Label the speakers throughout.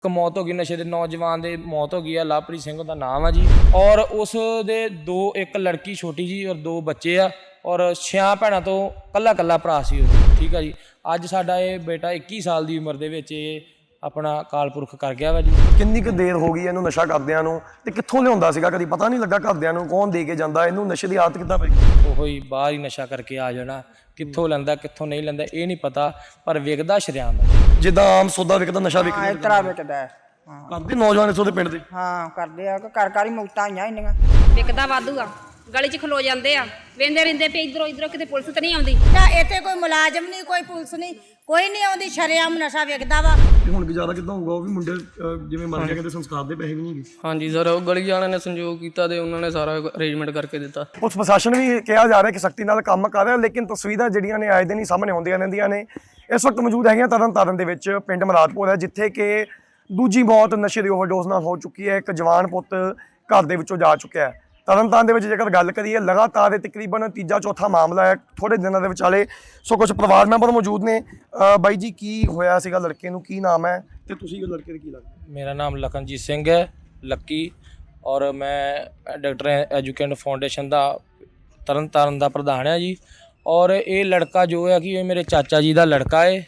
Speaker 1: मौत हो गई नशे के नौजवान की मौत हो गई है। लवप्रीत सिंह का नाम है जी। और उस दे दो एक लड़की छोटी जी और दो बच्चे आ और 6 भैनों तो कल्ला कल्ला भरा सी। ठीक है जी। अज साडा ये बेटा 21 साल की उम्र के अपना काल पुरख कर गया वा जी।
Speaker 2: किन्नी क देर हो गई इहनूं नशा करदिआं नूं ते कित्थों लिआउंदा सीगा, कदी पता नहीं लगा घरदिआं नूं कौन दे के जांदा, इहनूं नशे की आदत किद्दां पई?
Speaker 1: ओहो ही बाहर ही नशा करके आ जाना, कित्थों लैंदा कित्थों नहीं लैंदा ये नहीं पता, पर विकदा शरेआम है।
Speaker 2: जिद्दां आम सौदा विकदा नशा विकदा
Speaker 3: ਇਸ ਤਰ੍ਹਾਂ ਵਿਕਦਾ ਹੈ। ਹਾਂ
Speaker 2: ਕਰਦੇ ਨੌਜਵਾਨ ਇਸ ਉਹਦੇ ਪਿੰਡ ਦੇ।
Speaker 3: ਹਾਂ ਕਰਦੇ ਆ ਕਿ ਘਰ ਘਰ ਹੀ ਮੌਤਾਂ ਆਈਆਂ ਇੰਨੀਆਂ।
Speaker 4: ਵਿਕਦਾ ਵਾਧੂ ਆ, ਗਲੀ 'ਚ ਖਲੋ ਜਾਂਦੇ ਆ, ਵੇਂਦੇ ਰਹਿੰਦੇ ਪਏ ਇਧਰੋਂ ਇਧਰੋਂ, ਕਿਤੇ ਪੁਲਿਸ ਤਾਂ ਨਹੀਂ ਆਉਂਦੀ।
Speaker 5: ਤਾਂ ਇੱਥੇ ਕੋਈ ਮੁਲਾਜ਼ਮ ਨਹੀਂ, ਕੋਈ ਪੁਲਿਸ ਨਹੀਂ, ਕੋਈ ਨਹੀਂ ਆਉਂਦੀ, ਸ਼ਰੇਆਮ ਨਸ਼ਾ ਵਿਕਦਾ ਵਾ।
Speaker 2: ਤੇ ਹੁਣ ਗੁਜ਼ਾਰਾ ਕਿੱਦਾਂ ਹੋਊਗਾ? ਉਹ ਵੀ ਮੁੰਡੇ ਜਿਵੇਂ ਮਰ ਗਏ, ਕਹਿੰਦੇ ਸੰਸਕਾਰ ਦੇ ਪੈਸੇ ਵੀ ਨਹੀਂ ਗਏ।
Speaker 6: ਹਾਂਜੀ ਸਰ, ਉਹ ਗਲੀ ਵਾਲਿਆਂ ਨੇ ਸੰਯੋਗ ਕੀਤਾ ਤੇ ਉਹਨਾਂ ਨੇ ਸਾਰਾ ਅਰੇਂਜਮੈਂਟ ਕਰਕੇ ਦਿੱਤਾ।
Speaker 2: ਪੁਲਿਸ ਪ੍ਰਸ਼ਾਸਨ ਵੀ ਕਿਹਾ ਜਾ ਰਿਹਾ ਕਿ ਸਖਤੀ ਨਾਲ ਕੰਮ ਕਰ ਰਿਹਾ, ਲੇਕਿਨ ਤਸਵੀਰਾਂ ਜਿਹੜੀਆਂ ਨੇ ਆਏ ਦਿਨ ਹੀ ਸਾਹਮਣੇ ਆਉਂਦੀਆਂ ਰਹਿੰਦੀਆਂ ਨੇ। ਇਸ ਵਕਤ ਮੌਜੂਦ ਹੈਗੀਆਂ ਤਰਨਤਾਰਨ ਦੇ ਵਿੱਚ, ਪਿੰਡ ਮਰਾਦਪੁਰ ਹੈ, ਜਿੱਥੇ ਕਿ ਦੂਜੀ ਮੌਤ ਨਸ਼ੇ ਦੀ ਓਵਰਡੋਜ਼ ਨਾਲ ਹੋ ਚੁੱਕੀ ਹੈ। ਇੱਕ ਜਵਾਨ ਪੁੱਤ ਘਰ ਦੇ ਵਿੱਚੋਂ ਜਾ ਚੁੱਕਿਆ ਹੈ। ਤਰਨਤਾਰਨ ਦੇ ਵਿੱਚ ਜੇਕਰ ਗੱਲ ਕਰੀਏ, ਲਗਾਤਾਰ ਇਹ ਤਕਰੀਬਨ ਤੀਜਾ ਚੌਥਾ ਮਾਮਲਾ ਹੈ ਥੋੜੇ ਦਿਨਾਂ ਦੇ ਵਿਚਾਲੇ। ਸੋ ਕੁਝ ਪਰਿਵਾਰ ਮੈਂਬਰ ਮੌਜੂਦ ਨੇ। ਬਾਈ ਜੀ, ਕੀ ਹੋਇਆ ਸੀਗਾ ਲੜਕੇ ਨੂੰ, ਕੀ ਨਾਮ ਹੈ ਤੇ ਤੁਸੀਂ ਲੜਕੇ ਦੇ ਕੀ ਲੱਗਦਾ?
Speaker 1: मेरा नाम लखनजीत सिंह है, लक्की, और मैं डॉक्टर एजुकेशन फाउंडेशन का तरन तारण का प्रधान है जी। और ये लड़का जो है कि ये मेरे चाचा जी का लड़का है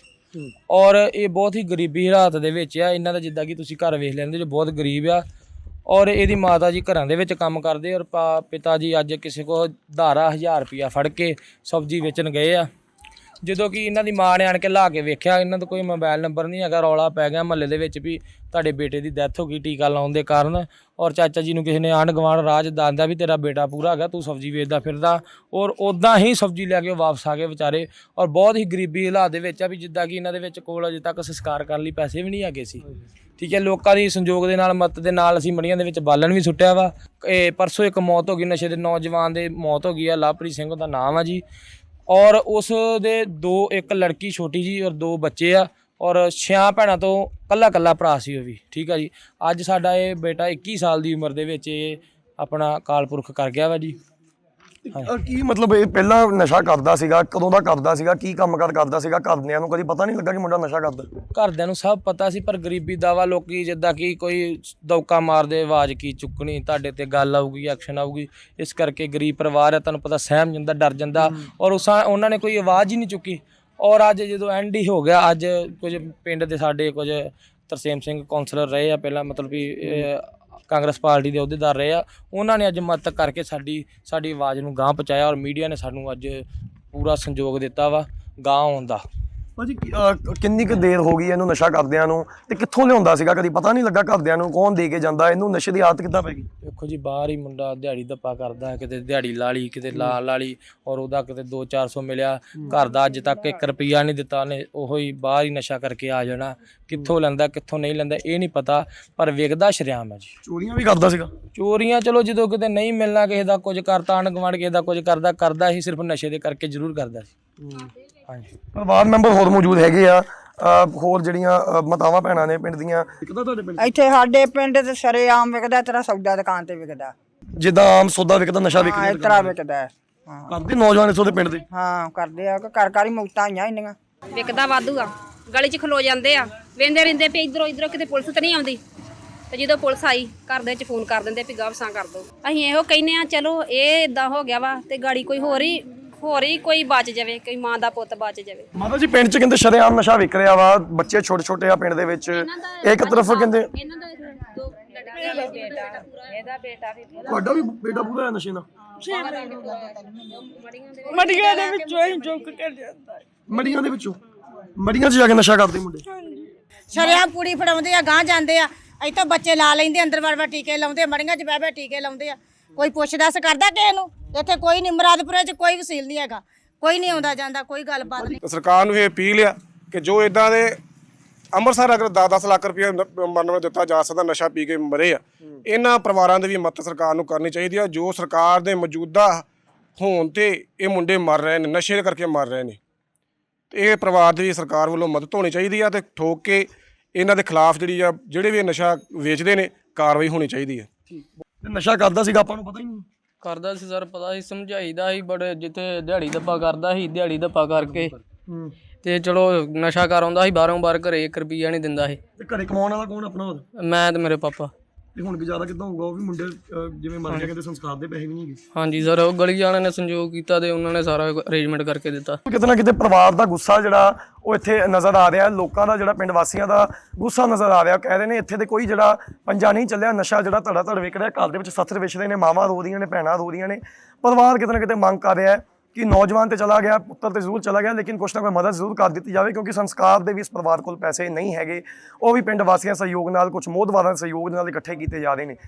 Speaker 1: और ये बहुत ही गरीबी हालात ਦੇ ਵਿੱਚ ਆ। ਇਹਨਾਂ ਦਾ ਜਿੱਦਾਂ ਕਿ ਤੁਸੀਂ ਘਰ ਵੇਖ ਲੈਂਦੇ ਜੋ ਬਹੁਤ ਗਰੀਬ ਆ। ਔਰ ਇਹਦੀ ਮਾਤਾ ਜੀ ਘਰਾਂ ਦੇ ਵਿੱਚ ਕੰਮ ਕਰਦੇ ਔਰ ਪਿਤਾ ਜੀ ਅੱਜ ਕਿਸੇ ਕੋ ਧਾਰਾ 1000 ਰੁਪਇਆ ਫੜ ਕੇ ਸਬਜ਼ੀ ਵੇਚਣ ਗਏ ਆ। ਜਦੋਂ ਕਿ ਇਹਨਾਂ ਦੀ ਮਾਂ ਨੇ ਆਣ ਕੇ ਲਾ ਕੇ ਵੇਖਿਆ, ਇਹਨਾਂ ਦਾ ਕੋਈ ਮੋਬਾਈਲ ਨੰਬਰ ਨਹੀਂ ਹੈਗਾ। ਰੌਲਾ ਪੈ ਗਿਆ ਮਹੱਲੇ ਦੇ ਵਿੱਚ ਵੀ ਤੁਹਾਡੇ ਬੇਟੇ ਦੀ ਡੈਥ ਹੋ ਗਈ ਟੀਕਾ ਲਾਉਣ ਦੇ ਕਾਰਨ। ਔਰ ਚਾਚਾ ਜੀ ਨੂੰ ਕਿਸੇ ਨੇ ਆਂਢ ਗੁਆਂਢ ਰਾਜ ਦੱਸਦਾ ਵੀ ਤੇਰਾ ਬੇਟਾ ਪੂਰਾ ਹੈਗਾ, ਤੂੰ ਸਬਜ਼ੀ ਵੇਚਦਾ ਫਿਰਦਾ। ਔਰ ਉੱਦਾਂ ਹੀ ਸਬਜ਼ੀ ਲੈ ਕੇ ਉਹ ਵਾਪਸ ਆ ਗਏ ਵਿਚਾਰੇ। ਔਰ ਬਹੁਤ ਹੀ ਗਰੀਬੀ ਹਾਲਾਤ ਦੇ ਵਿੱਚ ਆ ਵੀ ਜਿੱਦਾਂ ਕਿ ਇਹਨਾਂ ਦੇ ਵਿੱਚ ਕੋਲ ਅਜੇ ਤੱਕ ਸੰਸਕਾਰ ਕਰਨ ਲਈ ਪੈਸੇ ਵੀ ਨਹੀਂ ਹੈਗੇ ਸੀ। ਠੀਕ ਹੈ, ਲੋਕਾਂ ਦੀ ਸੰਯੋਗ ਦੇ ਨਾਲ ਮਦਦ ਦੇ ਨਾਲ ਅਸੀਂ ਮੜੀਆਂ ਦੇ ਵਿੱਚ ਬਾਲਣ ਵੀ ਸੁੱਟਿਆ ਵਾ। ਇਹ ਪਰਸੋਂ ਇੱਕ ਮੌਤ ਹੋ ਗਈ ਨਸ਼ੇ ਦੇ ਨੌਜਵਾਨ ਦੀ ਮੌਤ ਹੋ ਗਈ ਆ। ਲਵਪ੍ਰੀਤ ਸਿੰਘ ਦਾ ਨਾਮ ਆ ਜੀ। और उस दे दो एक लड़की छोटी जी और दो बच्चे आ और 6 भैनों तो कल्ला कल्ला भरा सी वो भी। ठीक है जी। अज साडा ये बेटा 21 साल की उम्र के अपना काल पुरख कर गया वा जी।
Speaker 2: ਕੀ ਮਤਲਬ ਇਹ ਪਹਿਲਾਂ ਨਸ਼ਾ ਕਰਦਾ ਸੀਗਾ? ਕਦੋਂ ਦਾ ਕਰਦਾ ਸੀਗਾ? ਕੀ ਕੰਮ ਕਰਦਾ ਸੀਗਾ? ਘਰਦਿਆਂ ਨੂੰ ਕਦੀ ਪਤਾ ਨਹੀਂ ਲੱਗਾ ਕਿ ਮੁੰਡਾ ਨਸ਼ਾ ਕਰਦਾ?
Speaker 1: ਘਰਦਿਆਂ ਨੂੰ ਸਭ ਪਤਾ ਸੀ, ਪਰ ਗਰੀਬੀ ਦਾ ਵਾ। ਲੋਕੀ ਜਿੱਦਾਂ ਕਿ ਕੋਈ ਦੌਕਾ ਮਾਰਦੇ, ਆਵਾਜ਼ ਕੀ ਚੁੱਕਣੀ, ਤੁਹਾਡੇ ਤੇ ਗੱਲ ਆਊਗੀ, ਐਕਸ਼ਨ ਆਊਗੀ। ਇਸ ਕਰਕੇ ਗਰੀਬ ਪਰਿਵਾਰ ਹੈ, ਤੁਹਾਨੂੰ ਪਤਾ ਸਹਿਮ ਜਾਂਦਾ, ਡਰ ਜਾਂਦਾ। ਔਰ ਉਹਨਾਂ ਨੇ ਕੋਈ ਆਵਾਜ਼ ਹੀ ਨਹੀਂ ਚੁੱਕੀ। ਔਰ ਅੱਜ ਜਦੋਂ ਐਂਡ ਹੀ ਹੋ ਗਿਆ, ਅੱਜ ਕੁਝ ਪਿੰਡ ਦੇ ਸਾਡੇ ਕੁਝ ਤਰਸੇਮ ਸਿੰਘ ਕੌਂਸਲਰ ਰਹੇ ਆ ਪਹਿਲਾਂ, ਮਤਲਬ ਵੀ ਕਾਂਗਰਸ ਪਾਰਟੀ ਦੇ ਅਹੁਦੇਦਾਰ ਰਹੇ ਆ। ਉਹਨਾਂ ਨੇ ਅੱਜ ਮਦਦ ਕਰਕੇ ਸਾਡੀ ਆਵਾਜ਼ ਨੂੰ ਗਾਂਹ ਪਹੁੰਚਾਇਆ ਔਰ ਮੀਡੀਆ ਨੇ ਸਾਨੂੰ ਅੱਜ ਪੂਰਾ ਸੰਯੋਗ ਦਿੱਤਾ ਵਾ ਗਾਂਹ ਆਉਣ ਦਾ।
Speaker 2: ਭਾਜੀ, ਕਿੰਨੀ ਕੁ ਦੇਰ ਹੋ ਗਈ ਇਹਨੂੰ ਨਸ਼ਾ ਕਰਦਿਆਂ ਨੂੰ ਤੇ ਕਿੱਥੋਂ ਲਿਆਉਂਦਾ ਸੀਗਾ? ਕਦੀ ਪਤਾ ਨਹੀਂ ਲੱਗਾ ਘਰਦਿਆਂ ਨੂੰ ਕੌਣ ਦੇ ਕੇ ਜਾਂਦਾ? ਇਹਨੂੰ ਨਸ਼ੇ ਦੀ ਆਦਤ ਕਿੱਦਾਂ ਪੈ ਗਈ?
Speaker 1: ਦੇਖੋ ਜੀ, ਬਾਹਰ ਹੀ ਮੁੰਡਾ ਦਿਹਾੜੀ ਦੱਪਾ ਕਰਦਾ, ਕਿਤੇ ਦਿਹਾੜੀ ਲਾ ਲਈ, ਕਿਤੇ ਲਾ ਲਈ। ਔਰ ਉਹਦਾ ਕਿਤੇ 200-400 ਮਿਲਿਆ, ਘਰ ਦਾ ਅੱਜ ਤੱਕ 1 ਰੁਪਈਆ ਨਹੀਂ ਦਿੱਤਾ ਉਹਨੇ। ਉਹੋ ਹੀ ਬਾਹਰ ਹੀ ਨਸ਼ਾ ਕਰਕੇ ਆ ਜਾਣਾ, ਕਿੱਥੋਂ ਲੈਂਦਾ ਕਿੱਥੋਂ ਨਹੀਂ ਲੈਂਦਾ ਇਹ ਨਹੀਂ ਪਤਾ, ਪਰ ਵਿਕਦਾ ਸ਼ਰੇਆਮ ਹੈ ਜੀ।
Speaker 2: ਚੋਰੀਆਂ ਵੀ ਕਰਦਾ ਸੀਗਾ?
Speaker 1: ਚੋਰੀਆਂ ਚਲੋ ਜਦੋਂ ਕਿਤੇ ਨਹੀਂ ਮਿਲਣਾ, ਕਿਸੇ ਦਾ ਕੁਝ ਕਰਤਾ, ਆਂਢ ਗੁਆਂਢ ਕਿਸੇ ਦਾ ਕੁਝ ਕਰਦਾ ਹੀ, ਸਿਰਫ ਨਸ਼ੇ ਦੇ ਕਰਕੇ ਜ਼ਰੂਰ ਕਰਦਾ ਸੀ। ਹਾਂਜੀ।
Speaker 2: ਪਰਿਵਾਰ ਮੈਂਬਰ ਹੋਰ ਮੌਜੂਦ ਹੈਗੇ ਆ, ਹੋਰ ਜਿਹੜੀਆਂ ਮਾਤਾਵਾਂ ਭੈਣਾਂ ਨੇ ਪਿੰਡ ਦੀਆਂ। ਕਿੱਦਾਂ ਤੁਹਾਡੇ ਪਿੰਡ
Speaker 3: ਇੱਥੇ ਸਾਡੇ ਪਿੰਡ ਤੇ ਸ਼ਰੇਆਮ ਵਿਕਦਾ, ਤੇਰਾ ਸੌਦਾ ਦੁਕਾਨ ਤੇ ਵਿਕਦਾ।
Speaker 2: ਜਿੱਦਾਂ ਆਮ ਸੌਦਾ ਵਿਕਦਾ ਨਸ਼ਾ
Speaker 3: ਹਾਂ
Speaker 2: ਵਿਕਦਾ?
Speaker 3: ਇਸ ਤਰ੍ਹਾਂ ਵਿਕਦਾ ਹੈ। ਹਾਂ
Speaker 2: ਕਰਦੇ ਨੌਜਵਾਨ ਇਸ ਉਹਦੇ ਪਿੰਡ ਦੇ।
Speaker 3: ਹਾਂ ਕਰਦੇ ਆ ਕਿ ਘਰ ਘਰ ਹੀ ਮੌਤਾਂ ਆਈਆਂ ਇੰਨੀਆਂ।
Speaker 4: ਵਿਕਦਾ ਵਾਧੂ ਆ, ਗਲੀ 'ਚ ਖਲੋ ਜਾਂਦੇ ਆ, ਵੇਂਦੇ ਰਹਿੰਦੇ ਪਏ ਇਧਰੋਂ ਇਧਰੋਂ, ਕਿਤੇ ਪੁਲਿਸ ਤਾਂ ਨਹੀਂ ਆਉਂਦੀ। ਤੇ ਜਦੋਂ ਪੁਲਿਸ ਆਈ, ਘਰ ਦੇ ਵਿੱਚ ਫੋਨ ਕਰ ਦਿੰਦੇ ਵੀ ਗਾਵਸਾਂ ਕਰ ਦਿਓ। ਅਸੀਂ ਇਹੋ ਕਹਿੰਦੇ ਆ ਚਲੋ ਇਹ ਇਦਾਂ ਹੋ ਗਿਆ ਵਾ ਤੇ ਗਾੜੀ ਕੋਈ ਹੋਰ ਹੀ ਕੋਈ ਬਚ ਜਾਵੇ, ਕੋਈ ਮਾਂ ਦਾ ਪੁੱਤ ਬਚ ਜਾਵੇ।
Speaker 2: ਮਾਤਾ ਜੀ, ਪਿੰਡ 'ਚ ਕਹਿੰਦੇ ਸ਼ਰੇਆਮ ਨਸ਼ਾ ਵਿਕ ਰਿਹਾ ਵਾ, ਬੱਚੇ ਛੋਟੇ ਛੋਟੇ ਆ ਪਿੰਡ ਦੇ ਵਿੱਚ। ਇੱਕ ਤਰਫ ਕਹਿੰਦੇ
Speaker 4: ਇਹਨਾਂ ਦਾ ਦੋ ਇਹਦਾ ਬੇਟਾ ਵੀ
Speaker 2: ਤੁਹਾਡਾ ਵੀ ਬੇਟਾ ਪੂਰਾ ਹੈ ਨਸ਼ੇ ਨਾਲ?
Speaker 3: ਮੜੀਆਂ ਦੇ ਵਿੱਚੋਂ ਹੀ ਚੁੱਕ ਕੇ ਜਾਂਦਾ।
Speaker 2: ਮੜੀਆਂ ਦੇ ਵਿੱਚੋਂ? ਮੜੀਆਂ 'ਚ ਜਾ ਕੇ ਨਸ਼ਾ ਕਰਦੇ ਮੁੰਡੇ?
Speaker 5: ਸ਼ਰੇਆਮ ਪੂੜੀ ਫੜਾਉਂਦੇ ਆ, ਗਾਂਹ ਜਾਂਦੇ ਆ, ਇੱਥੋਂ ਬੱਚੇ ਲਾ ਲੈਂਦੇ, ਅੰਦਰ ਵੜ ਟੀਕੇ ਲਾਉਂਦੇ, ਮੜੀਆਂ 'ਚ ਬਹਿ ਟੀਕੇ ਲਾਉਂਦੇ ਆ। ਕੋਈ ਪੁੱਛ ਦੱਸ ਕਰਦਾ ਕਿਸੇ ਨੂੰ? ਇੱਥੇ ਕੋਈ ਨਹੀਂ, ਮੁਰਾਦਪੁਰੇ 'ਚ ਕੋਈ ਵਸੀਲ ਨਹੀਂ ਹੈਗਾ, ਕੋਈ ਨਹੀਂ ਆਉਂਦਾ ਜਾਂਦਾ, ਕੋਈ ਗੱਲਬਾਤ ਨਹੀਂ।
Speaker 7: ਸਰਕਾਰ ਨੂੰ ਇਹ ਅਪੀਲ ਆ ਕਿ ਜੋ ਇਦਾਂ ਦੇ ਅੰਮ੍ਰਿਤਸਰ ਅਗਰ 10-10 ਲੱਖ ਰੁਪਏ ਮਰਨ ਨੂੰ ਦਿੱਤਾ ਜਾ ਸਕਦਾ, ਨਸ਼ਾ ਪੀ ਕੇ ਮਰੇ ਆ, ਇਹਨਾਂ ਪਰਿਵਾਰਾਂ ਦੀ ਵੀ ਮਦਦ ਸਰਕਾਰ ਨੂੰ ਕਰਨੀ ਚਾਹੀਦੀ ਆ। ਜੋ ਸਰਕਾਰ ਦੇ ਮੌਜੂਦਾ ਹੋਣ ਤੇ ਇਹ ਮੁੰਡੇ ਮਰ ਰਹੇ ਨੇ, ਨਸ਼ੇ ਕਰਕੇ ਮਰ ਰਹੇ ਨੇ, ਤੇ ਇਹ ਪਰਿਵਾਰ ਦੀ ਸਰਕਾਰ ਵੱਲੋਂ ਮਦਦ ਹੋਣੀ ਚਾਹੀਦੀ ਆ ਤੇ ਠੋਕ ਕੇ ਇਹਨਾਂ ਦੇ ਖਿਲਾਫ ਜਿਹੜੀ ਆ, ਜਿਹੜੇ ਵੀ ਨਸ਼ਾ ਵੇਚਦੇ ਨੇ, ਕਾਰਵਾਈ ਹੋਣੀ ਚਾਹੀਦੀ ਹੈ।
Speaker 2: ਨਸ਼ਾ ਕਰਦਾ ਸੀਗਾ, ਆਪਾਂ ਨੂੰ ਪਤਾ ਹੀ ਨਹੀਂ?
Speaker 6: ਕਰਦਾ ਸੀ ਸਰ, ਪਤਾ ਸੀ, ਸਮਝਾਈਦਾ ਸੀ, ਬੜੇ ਜਿੱਥੇ ਦਿਹਾੜੀ ਦੱਪਾ ਕਰਦਾ ਸੀ, ਦਿਹਾੜੀ ਦੱਪਾ ਕਰਕੇ ਤੇ ਚਲੋ ਨਸ਼ਾ ਕਰ ਆਉਂਦਾ ਸੀ ਬਾਹਰੋਂ ਬਾਹਰ, ਘਰੇ 1 ਰੁਪਈਆ ਨਹੀਂ ਦਿੰਦਾ ਸੀ।
Speaker 2: ਤੇ ਘਰੇ ਕਮਾਉਣ ਵਾਲਾ ਕੌਣ ਆਪਣਾ ਹੋਰ?
Speaker 6: ਮੈਂ ਤੇ ਮੇਰੇ ਪਾਪਾ।
Speaker 2: ਤੇ ਹੁਣ ਗੁਜ਼ਾਰਾ ਕਿੱਦਾਂ ਹੋਊਗਾ? ਉਹ ਵੀ ਮੁੰਡੇ ਜਿਵੇਂ ਮਰ ਗਏ, ਕਹਿੰਦੇ ਸੰਸਕਾਰ ਦੇ ਪੈਸੇ ਵੀ ਨਹੀਂ ਹੈਗੇ।
Speaker 6: ਹਾਂਜੀ ਸਰ, ਉਹ ਗਲੀ ਵਾਲਿਆਂ ਨੇ ਸੰਯੋਗ ਕੀਤਾ ਤੇ ਉਹਨਾਂ ਨੇ ਸਾਰਾ ਅਰੇਂਜਮੈਂਟ ਕਰਕੇ ਦਿੱਤਾ।
Speaker 2: ਕਿਤੇ ਨਾ ਕਿਤੇ ਪਰਿਵਾਰ ਦਾ ਗੁੱਸਾ ਜਿਹੜਾ ਉਹ ਇੱਥੇ ਨਜ਼ਰ ਆ ਰਿਹਾ, ਲੋਕਾਂ ਦਾ ਜਿਹੜਾ ਪਿੰਡ ਵਾਸੀਆਂ ਦਾ ਗੁੱਸਾ ਨਜ਼ਰ ਆ ਰਿਹਾ। ਕਹਿ ਰਹੇ ਨੇ ਇੱਥੇ ਤੇ ਕੋਈ ਜਿਹੜਾ ਪੰਜਾ ਨਹੀਂ ਚੱਲਿਆ, ਨਸ਼ਾ ਜਿਹੜਾ ਧੜਾ ਧੜ ਵਿਕ ਰਿਹਾ, ਘਰ ਦੇ ਵਿੱਚ ਸੱਥਰ ਵਿਛਦੇ ਨੇ, ਮਾਵਾਂ ਰੋ ਰਹੀਆਂ ਨੇ, ਭੈਣਾਂ ਰੋ ਰਹੀਆਂ ਨੇ। ਪਰਿਵਾਰ ਕਿਤੇ ਨਾ ਕਿਤੇ ਮੰਗ ਕਰ ਰਿਹਾ ਹੈ ਕਿ ਨੌਜਵਾਨ ਤੇ ਚਲਾ ਗਿਆ, ਪੁੱਤਰ ਤੇ ਜ਼ਰੂਰ ਚਲਾ ਗਿਆ, ਲੇਕਿਨ ਕੁਛ ਨਾ ਕੋਈ ਮਦਦ ਜ਼ਰੂਰ ਕਰ ਦਿੱਤੀ ਜਾਵੇ, ਕਿਉਂਕਿ ਸੰਸਕਾਰ ਦੇ ਵੀ ਇਸ ਪਰਿਵਾਰ ਕੋਲ ਪੈਸੇ ਨਹੀਂ ਹੈਗੇ। ਉਹ ਵੀ ਪਿੰਡ ਵਾਸੀਆਂ ਸਹਿਯੋਗ ਨਾਲ, ਕੁਝ ਮੋਹਦਵਾਰਾਂ ਦੇ ਸਹਿਯੋਗ ਨਾਲ ਇਕੱਠੇ ਕੀਤੇ ਜਾ ਰਹੇ ਨੇ।